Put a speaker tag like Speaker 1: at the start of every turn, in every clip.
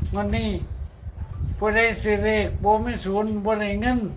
Speaker 1: วันนี้ผู้ใดสิเลขบ่มีศูนย์บ่ได้เงิน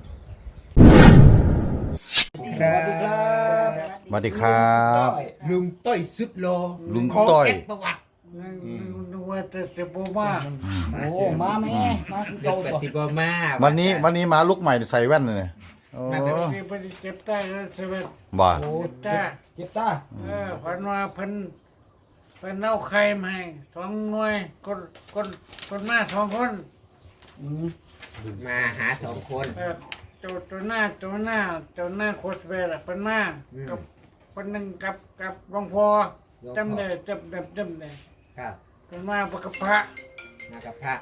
Speaker 2: สวัสดีครับ
Speaker 3: สวัสดีครับ
Speaker 2: ลุงต้อยสุดโล
Speaker 3: ลุง
Speaker 2: ของ
Speaker 3: ต้อย
Speaker 2: แอดประวัติ
Speaker 1: นึกว่าจะบ่มา
Speaker 4: โอ้มาแม่มาคือ
Speaker 2: เด็
Speaker 4: เก่าก
Speaker 2: แต่
Speaker 4: ตัว
Speaker 2: สิบมา
Speaker 3: วันนี้มาลุกใหม่ใส่แว่นเลยโอ้
Speaker 1: สิบ่ได้เจ็บตาแล้วใช่ไหม
Speaker 3: บ่า
Speaker 1: เจ็บตา
Speaker 4: เจ็บตา
Speaker 1: ฝันว่าเพิ่นเอาไข่มาให้2หน่วยคนมา2คน
Speaker 2: มาหาสองคน
Speaker 1: ตัวหน้าโคตรเวล่ะเพิ่นมากับคนนึงกับหลวงพ่อจำได้จำได้
Speaker 2: ครับ
Speaker 1: เพิ่นมาประกับพระ
Speaker 2: มากับพระ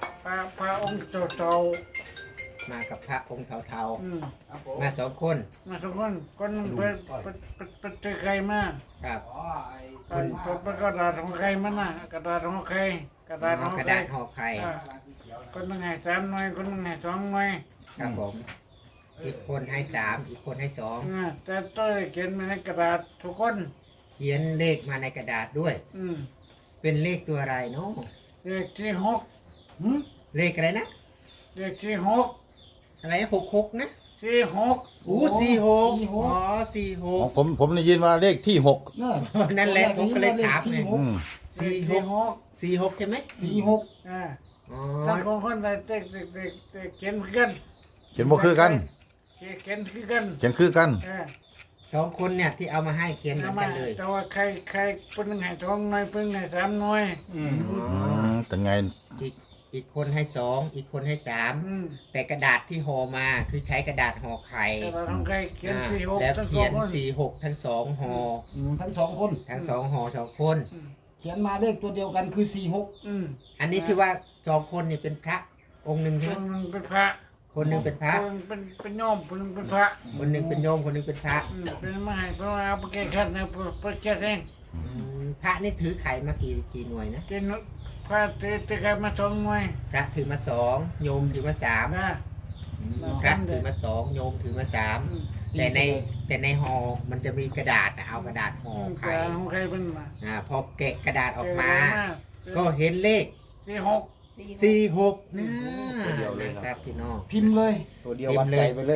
Speaker 1: องค์โต
Speaker 2: มากับพระองค์เทา
Speaker 1: ๆ
Speaker 2: ๆมาสองคน
Speaker 1: มาทุกคนนึงเพิ่นเจอใครมา
Speaker 2: ครับ
Speaker 1: เพิ่นกระดาษของใครมาน่ะกระดาษของใครกระดาษของ
Speaker 2: กระ
Speaker 1: ใคร
Speaker 2: ดาษห่อไข่
Speaker 1: คนนึงให้3หน่วยคนนึงให้2หน่วย
Speaker 2: ครับผม อีกคนให้สามอีกคนให้สอง
Speaker 1: แต่ตัวเขียนมาในกระดาษทุกคน
Speaker 2: เขียนเลขมาในกระดาษด้วย เป็นเลขตัวอะไรเนาะ
Speaker 1: เลขที่6
Speaker 2: เลขอะไรนะ
Speaker 1: เลขที่6
Speaker 2: อะไร66นะ
Speaker 1: ที่6
Speaker 2: อู้46อ๋อ
Speaker 3: ผมได้ยินว่าเลขที่หก
Speaker 4: เนอะ
Speaker 2: 46นั่นแหละผมก็เลยถามไง
Speaker 3: อืม
Speaker 1: เลขที่6
Speaker 2: 46ใช่ไหม
Speaker 4: 46
Speaker 2: อ๋อ
Speaker 1: ทั้งคนใดเด็กเขียนคือกัน
Speaker 3: เขียนบ่คือกัน
Speaker 1: เขียนคือกัน
Speaker 3: เขียนคือกัน
Speaker 2: สองคนเนี่ยที่เอามาให้เขียนเหมือนกันเลย
Speaker 1: แต่ว่าใครคนนึงให้2หน่วยเพิ่นให้3หน่วย
Speaker 3: แต่ไง
Speaker 2: อีกคนให้สองอีกคนให้สามแต่กระดาษที่ห่อมาคือใช้กระดาษห่อไข่
Speaker 1: แต่ว่าของใครเขียนที่6
Speaker 2: แล้ว
Speaker 1: ทั้ง
Speaker 2: เขียน
Speaker 1: 2คน
Speaker 2: 46ทั้งสองห่อ
Speaker 4: ทั้งสองคน
Speaker 2: ทั้งสองห่อสองคน
Speaker 4: เขียนมาเลขตัวเดียวกันคือ
Speaker 2: อันนี้ที่ว่าสองคนนี่เป็นพระองค์หนึ่ง
Speaker 1: ค
Speaker 2: ใช่ไหม
Speaker 1: นนึงเป็นพระ
Speaker 2: คนหนึ่งเป็นพระ
Speaker 1: เป็นโยมคนนึงเป็นพระ
Speaker 2: คนหนึ่งเป็นโยมคนหนึ่งเป็นพระ
Speaker 1: เป็นมาให้เพราะว่าเอาไปแก้ขัดนะไปแก้เอง
Speaker 2: พระนี่ถือไข่มากี่หน่วยนะ
Speaker 1: กินพระจะใครมา2หน่วย
Speaker 2: พระถือมาสองโยมถือมาสาม
Speaker 1: นะ
Speaker 2: พระถือมาสองโยมถือมาสามแต่ในห่อมันจะมีกระดาษนะเอากระดาษห่อ
Speaker 1: แต่
Speaker 2: ไข่
Speaker 1: ของใครเป็นมา
Speaker 2: พอแกะกระดาษออกมา ก็เห็นเลข
Speaker 1: ที่6
Speaker 2: 46นะครับพี่น้อง
Speaker 4: 46 พิมพ์เลย
Speaker 3: ตัวเดียววัดใจไปเลย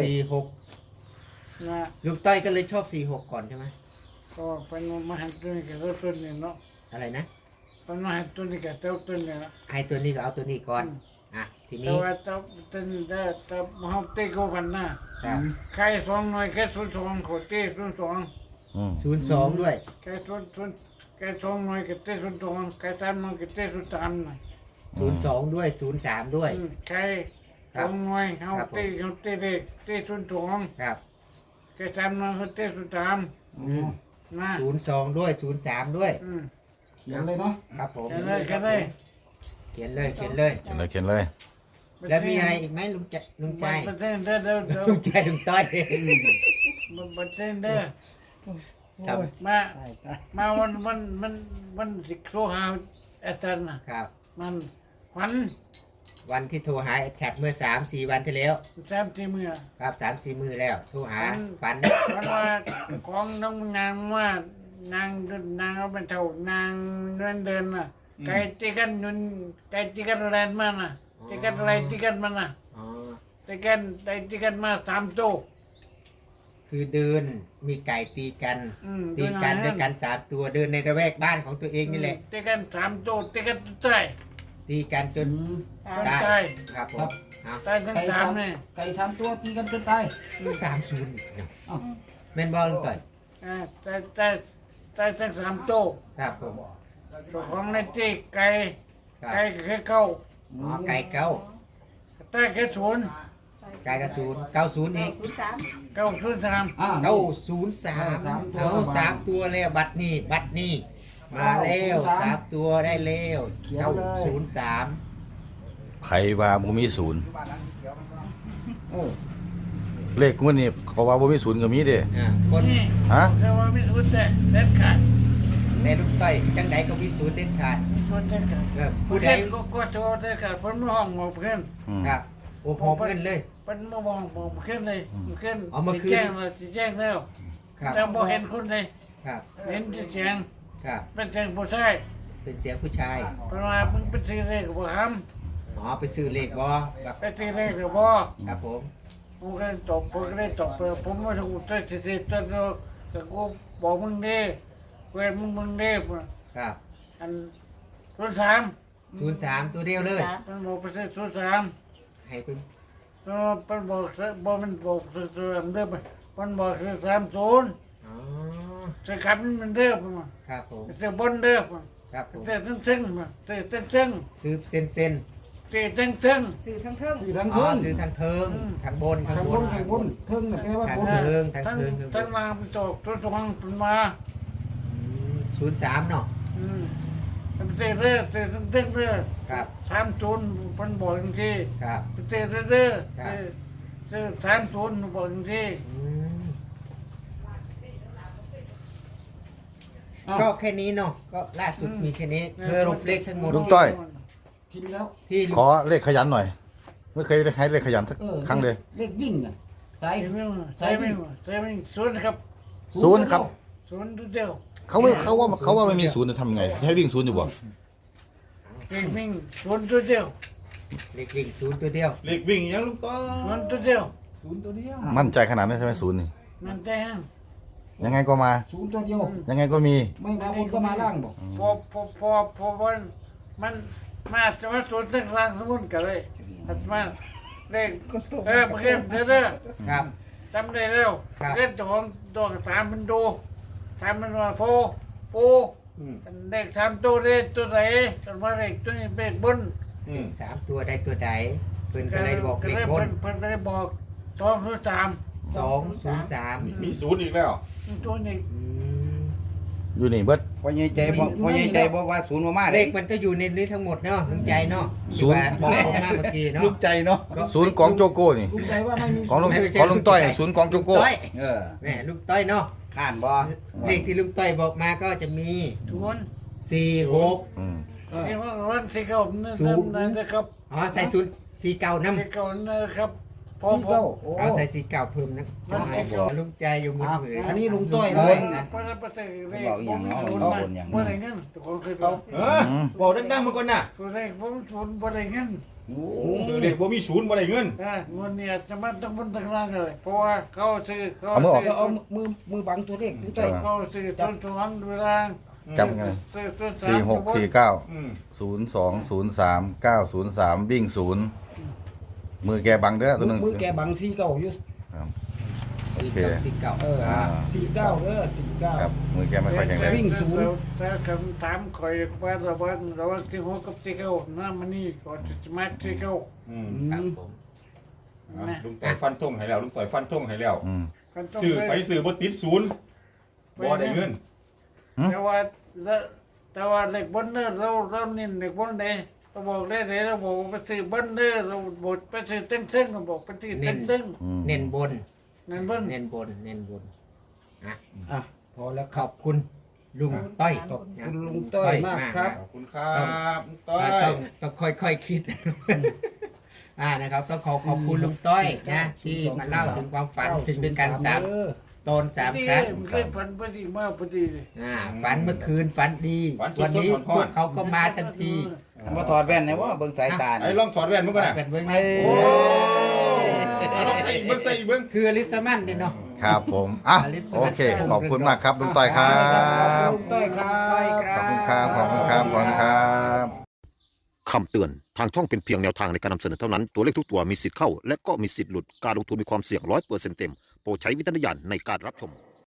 Speaker 2: 46
Speaker 1: นะ
Speaker 2: ลุงต้อยก็เลยชอบ46ก่อนใช่ไหม
Speaker 1: ก็เป็นมาให้ตัวนี้กับตัวนี้เนาะ
Speaker 2: อะไรนะ
Speaker 1: เป็นมาให้ตัวนี้กับตัวนี้นะ
Speaker 2: ให้ตัวนี้ก็เอาตัวนี้ก่อนที
Speaker 1: แต่
Speaker 2: นี้
Speaker 1: ว่าตัวนี้ได้แต่มาเอาเตะกูกันนะครับ ใคร2หน่วยแค่02เขาเตะ02
Speaker 3: อืม
Speaker 2: 02ด้วย
Speaker 1: แค่แค่2หน่วยก็เตะ02แค่3หน่วยก็เตะ03น่ะ
Speaker 2: 02ด้วย03ด้วย
Speaker 1: ใคร2หน่วยเขาเตะเด็กเตะ02
Speaker 2: ครับ
Speaker 1: แค่3หน่วยเขาเตะ03นะ
Speaker 2: 02ด้วย03ด้วย
Speaker 4: เขียนเลยเนาะ
Speaker 2: ครับผม
Speaker 1: แค่เลย
Speaker 2: เขียนเลย
Speaker 3: เขียนเลย
Speaker 2: แล้วมีอะไรอีกไหมลุงใจ
Speaker 1: บันเทิงเด้อ
Speaker 2: ลุงใจลุงต้อย
Speaker 1: บันเทิงเด้อ
Speaker 2: ครับ
Speaker 1: มาวันสิโทรหาอาจารย์นะครับ มันขวัญ
Speaker 2: วันที่โทรหาแท็กเมื่อ3-4วันที่แล้ว
Speaker 1: 3-4มื้อ
Speaker 2: ครับ3-4มื้อแล้วโทรหาฝัน
Speaker 1: วันว่าของน้องนางว่านางเอาเป็นเท่านางเดินน่ะไก่ตีกันนุ่นไก่ตีกันแลนมาน่ะตีกันอะไรตีกันมันน่ะ
Speaker 2: อ๋อ
Speaker 1: ตีกันมา3ตัว
Speaker 2: คือเดินมีไก่ตีกัน ตีกัน
Speaker 1: เดิ
Speaker 2: ด้วยกัน3ตัวเดินในระแวกบ้านของตัวเองนี่แหละ
Speaker 1: ตีกัน3ตัวตีกันใต้
Speaker 2: ตีกันจน
Speaker 1: ใต้
Speaker 2: ครับผมเอา
Speaker 1: ใต้ทั้ง3นี่
Speaker 4: ไก่3ตัวตีกันจนตาย
Speaker 2: ก็30อีกเนาะ
Speaker 4: อ้าว
Speaker 2: แม่นบอลก่อน
Speaker 1: ใต้ทั้ง3ตัว
Speaker 2: ครับผม
Speaker 1: ของในตีไก่
Speaker 2: ครับ
Speaker 1: ไก่แค่เข้า
Speaker 2: อ๋อไก่เก้า
Speaker 1: ใต้แค่ศูนย์
Speaker 2: ไก่กระศูนย์90อีก
Speaker 1: 903
Speaker 2: 903เอา3ตัวแล้วบัตรนี่มาแล้ว3ตัวได้แล้ว903
Speaker 3: ไผว่าบ่มีศูนย์
Speaker 4: เออ
Speaker 3: เลขงวดนี้เขาว่าบ่มีศูนย์ก็มีเด้
Speaker 2: คน
Speaker 1: นี่
Speaker 3: ฮะ
Speaker 1: แต่ว่ามีศูนย์แต่เด็ดขาด
Speaker 2: ในลูกต้อยจังไดก็มีศูนย์เด็ดขาด
Speaker 1: มีศูนย์เด็ดขาด
Speaker 2: ผู้ใด
Speaker 1: ก็โชว์เด็ดขาดเพิ่นมาห้องหมอเพิ่น
Speaker 3: อืม
Speaker 2: ครับโอ้โหเงินเลย
Speaker 1: เพิ่นมาห้องหมอเพิ่นเลยเพิ่น
Speaker 2: เอามาคืน
Speaker 1: สิแจ้งแล้ว
Speaker 2: ครับ
Speaker 1: แต่บ่เห็นคนเลย
Speaker 2: ครับ
Speaker 1: เห็นแต่เสียง
Speaker 2: ครับ
Speaker 1: เป็นเสียงผู้ชาย
Speaker 2: เป็นเสียงผู้ชาย
Speaker 1: เพราะว่ามึงเป็นสิ่งเล็กบ่ท
Speaker 2: อ๋ออ๋อไปซื้อเลขบ่ครับ
Speaker 1: ไปซื้อเลขหรือบ่
Speaker 2: ครับผม
Speaker 1: ผมก็เลยตบผมก็เลยตบไปผมไม่ถูกตัวสิตัวเดียวแต่กูบอกมึงดิเวรมึงดิ
Speaker 2: ครับ
Speaker 1: อัน03
Speaker 2: 03ตัวเดียวเลย
Speaker 1: มันบอกไปซื้อ03
Speaker 2: ให้เป็น
Speaker 1: มันบอกมันบอกซื้อเดิมมันบอกซื้อ30
Speaker 2: อ๋อ
Speaker 1: ซื้อขับมันเดิม
Speaker 2: ครับผม
Speaker 1: ซื้อบนเดิม
Speaker 2: ครับผม
Speaker 1: ซื้อซึ่งซื้อซึ่ง
Speaker 2: ซื้อเส้น
Speaker 1: ซื้อซึ่ง
Speaker 5: สื่อทั้งเทิง
Speaker 4: สื่อทาง
Speaker 2: อ๋อ
Speaker 4: เทิง
Speaker 2: ซื้อทางเทิงทางบน
Speaker 4: ทางบนทางบนเทิงน่ะแปลว่า
Speaker 2: ทาง
Speaker 4: บน
Speaker 2: เทิงทาง
Speaker 1: ทั้ง
Speaker 2: เทิง
Speaker 1: ทั้งมาไปจบตัวสองเป็นมา
Speaker 2: 03เนาะ
Speaker 1: ซื้อเรื่อซื้อซึ่งเรื่อ
Speaker 2: ครับ
Speaker 1: 30มันบอกจริง
Speaker 2: ครับ
Speaker 1: ๆซื้อเรื่อซื้อ30บอกจริง
Speaker 2: อืม
Speaker 4: อ้าว
Speaker 2: ก็แค่นี้เนาะก็ล่าสุดมีแค่นี้เธอรบเลขทั้งหมด
Speaker 3: ลุงต้อย
Speaker 4: พิมพ์แล้ว
Speaker 2: ที่
Speaker 3: ขอเลขขยันหน่อย ไม่เคยได้ให้เลขขยันสักครั้งเลย
Speaker 4: เลขวิ่งน่ะสาย
Speaker 1: ใช่ไหมศูนย์ครับ
Speaker 3: ศูนย์ครับ
Speaker 1: ศูนย์ตัวเดียว
Speaker 3: เขาว่าไม่มีศูนย์จะทำไงให้วิ่งศูนย์อยู่บ่
Speaker 1: วิ่งศูนย์ตัวเดียว
Speaker 2: เลขวิ่งศูนย์ตัวเดียว
Speaker 6: เล็กวิ่งยังลุงต้อ
Speaker 1: ศูนย์ตัวเดียว
Speaker 4: ศูนย์ตัวเดียว
Speaker 3: มั่นใจขนาดนั้นใช่ไหมศูนย์นี่
Speaker 1: มันใจฮะ
Speaker 3: ยังไงก็มา
Speaker 4: ศูนย์ตัวเดียว
Speaker 3: ยังไงก็มี
Speaker 4: ไม่มาบนก็มาล่างบอก
Speaker 1: พอมันมาจะมาศูนย์ตั้งกลางสมุนกันเลยมาเลขเมื่อกี้เด้อ
Speaker 2: ครับ
Speaker 1: จำได้แล้ว
Speaker 2: ครับ
Speaker 1: เล่นของตัวสามมันดูสามมันว่าโปู เด็ก3ตัวได้ตัวไหนกันว่าเด็กตัวนี้เด็กบน
Speaker 2: สามตัวได้ตัวใดเพิ่นก็เลยบอกเลขบน
Speaker 1: เพิ่นก็เลยบอก203
Speaker 2: 203
Speaker 6: มีศูนย์อีกแล้ว
Speaker 1: ตัวนี้
Speaker 3: อยู่นี่เบิด
Speaker 7: พ่อใหญ่ใจบอกว่าศูนย์มา
Speaker 2: เล
Speaker 7: เด็
Speaker 2: ขมันก็อยู่ในนี้ทั้งหมดเนาะลุงใจเนาะ
Speaker 3: ศูนย์
Speaker 2: ที่ว่าบอกมาเมื่อกี้เนาะ
Speaker 7: ลูกใจเนาะ
Speaker 2: ก็
Speaker 3: ศูนย์ของโจโก้นี่
Speaker 4: ลุงใจว่าไม่มี
Speaker 3: ของลุง
Speaker 2: ไม่ใช่
Speaker 3: ของลุงต้อย
Speaker 2: ลุงต้อย
Speaker 3: ศูนย์ของโจโก้
Speaker 2: ลุงต้อย
Speaker 7: เออ
Speaker 2: แหมลุงต้อยเนาะ
Speaker 7: ข้านบ่
Speaker 2: เลขที่ลุงต้อยบอกมาก็จะมี
Speaker 1: ทุน
Speaker 2: 46
Speaker 3: อืม
Speaker 1: ที่ว่าวันที่เขานั่นนะครับ
Speaker 2: อ๋อใส่ศูนย์49นำ
Speaker 1: ที่เขานะครับพอ
Speaker 4: สี่เก้าโอ้
Speaker 2: เอาใส่49เพิ่มนะ
Speaker 1: มันสิเก้า
Speaker 2: ลุงใจอยู่มือถือ
Speaker 4: อันนี้ลุงต้อย
Speaker 2: ลุ
Speaker 4: เลย
Speaker 2: นะ
Speaker 1: เพราะฉะนั้นประเสริฐเลข
Speaker 7: บอกอย่างเนาะ
Speaker 1: ศูนย์
Speaker 7: บอก
Speaker 1: มา
Speaker 7: บนอย่าง
Speaker 1: บ่ได้เงินทุกคนเคยบอก
Speaker 6: บอกดังๆมาก่อนน่ะ
Speaker 1: ตัวเลขผมศูนย์บ่ได้เงิน
Speaker 6: คือเด็กบ่มีศูนย์บ่ได้เงิน
Speaker 1: เงินเนี่ยจะมาต้องบนตั้งล่างเลยเพราะว่าเขาซื้อเขา
Speaker 3: เอามือออก
Speaker 4: เอามือบังตัวเลขลุงต้อย
Speaker 1: เขาซื้อต้นสองเวลา
Speaker 3: จำไง
Speaker 1: ซื้อต้น
Speaker 3: สี่หกสี่เก้า
Speaker 6: อืม
Speaker 3: 0203 903วิ่งศูนย์มือแกบังเด้อตัวหนึง
Speaker 4: มือแกบังสี่เก้าอยู่
Speaker 3: โอเค
Speaker 2: 49
Speaker 4: เออสี่เก้าเด้อสี่เก้า
Speaker 3: ครับมือแกไม่ค่อยแข็งแรง
Speaker 4: วิ่งศูนย์
Speaker 1: แต่คำถามคอยว่าระวังที่หัวกับที่เขาหน้ามันนี่ก่อนจะมาที่เขา
Speaker 6: อืม
Speaker 2: ครับผม
Speaker 6: อ่ะลุงต่อยฟันธงให้แล้วลุงต่อยฟันธงให้แล้ว
Speaker 3: อืม
Speaker 6: ซื้อไปซื้อบ่ติดศูนย์บ่ได้เงิน
Speaker 1: แต่ว่าเล็กบนเนอร์เรานี่เล็กบนเด้เราบอกได้เลยเราบอกไปซื้อบนเนอร์เราบอกไปซื้อเต้นเส้นเราบอกไปซื้อเต้นเส้น
Speaker 3: อืม
Speaker 2: เน้นบน
Speaker 1: นั่นบน
Speaker 2: เน้นบนเน้นบน
Speaker 4: อ่ะพอแล้วค
Speaker 2: ข
Speaker 4: รับ
Speaker 2: อบคุณลุงต้อย
Speaker 4: ขอบคุณลุงต้อยมากครับ
Speaker 6: ขอบคุณครับลุงต้อย
Speaker 2: ต้องค่อยๆคิด นะครับต้องขอบคุณลุงต้อยนะที่มาเล่าถึงความฝันถึงเป็นการสามตนสาม
Speaker 1: ที่
Speaker 2: ครั้ง
Speaker 1: มันเคยฝันพอดีมากพอดีเลย
Speaker 2: ฝันเมื่อคืนฝันดี วันนี้พวกเขาก็มาทันที
Speaker 7: มาถอดแว่นนะว่าเบิ่งสายตา
Speaker 6: ไอ้ลองถอดแว่นมันก่อนน่ะ
Speaker 2: เป็นเบื้อง
Speaker 7: เอ้ย
Speaker 6: ลองใส่อีกเบิ่งใส่อีกเบิ่ง
Speaker 2: คืออลิสมันเนี่ยเนาะ
Speaker 3: ครับผมอ่ะโอเค ขอบคุณมากครับลุงต้อยครับ
Speaker 4: ลุงต้อยครับ
Speaker 3: ขอบคุณครับขอบคุณครับขอบคุณครับ
Speaker 8: คำเตือน ทางช่องเป็นเพียงแนวทางในการนำเสนอเท่านั้น ตัวเลขทุกตัวมีสิทธิ์เข้า และก็มีสิทธิ์หลุด การลงทุนมีความเสี่ยง100%เต็ม โปรดใช้วิจารณญาณในการรับชม